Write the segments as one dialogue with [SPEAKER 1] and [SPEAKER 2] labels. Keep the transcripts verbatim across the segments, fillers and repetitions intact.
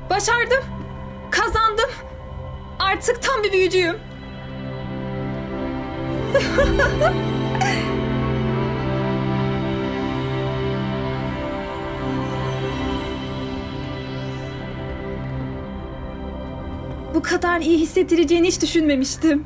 [SPEAKER 1] Başardım. Kazandım. Artık tam bir büyücüyüm. Bu kadar iyi hissettireceğini hiç düşünmemiştim.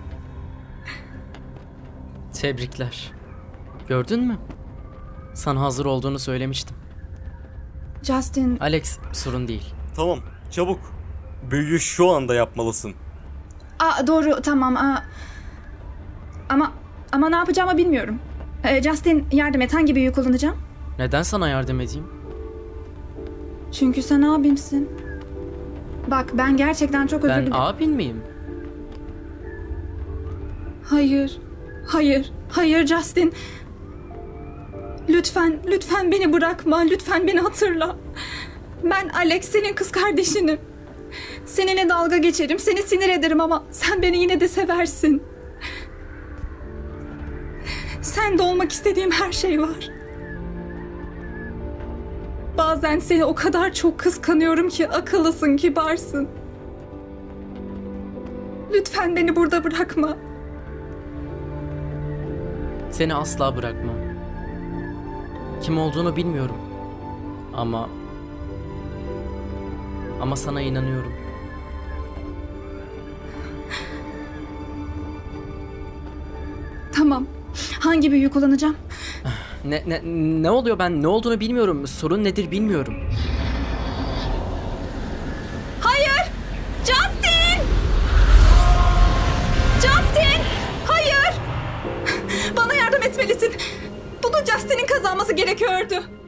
[SPEAKER 2] Tebrikler. Gördün mü? Sana hazır olduğunu söylemiştim.
[SPEAKER 1] Justin,
[SPEAKER 2] Alex, sorun değil.
[SPEAKER 3] Tamam, çabuk. Büyüyü şu anda yapmalısın.
[SPEAKER 1] aa, doğru, tamam. Aa. Ama ama ne yapacağımı bilmiyorum. Ee, Justin, yardım et. Hangi büyüyü kullanacağım?
[SPEAKER 2] Neden sana yardım edeyim?
[SPEAKER 1] Çünkü sen abimsin. Bak, ben gerçekten çok özür
[SPEAKER 2] Ben
[SPEAKER 1] dilerim.
[SPEAKER 2] abin miyim?
[SPEAKER 1] Hayır, hayır, hayır Justin. Lütfen, lütfen beni bırakma. Lütfen beni hatırla. Ben Alex, senin kız kardeşinim. Seninle dalga geçerim, seni sinir ederim ama sen beni yine de seversin. Sende olmak istediğim her şey var. Bazen seni o kadar çok kıskanıyorum ki akıllısın, kibarsın. Lütfen beni burada bırakma.
[SPEAKER 2] Seni asla bırakmam. Kim olduğunu bilmiyorum. Ama... Ama sana inanıyorum.
[SPEAKER 1] Tamam. Hangi büyüyü kullanacağım?
[SPEAKER 2] Ne, ne, ne oluyor, ben ne olduğunu bilmiyorum. Sorun nedir bilmiyorum.
[SPEAKER 1] Hayır! Justin! Justin! Hayır! Bana yardım etmelisin. Bunu Justin'in kazanması gerekiyordu.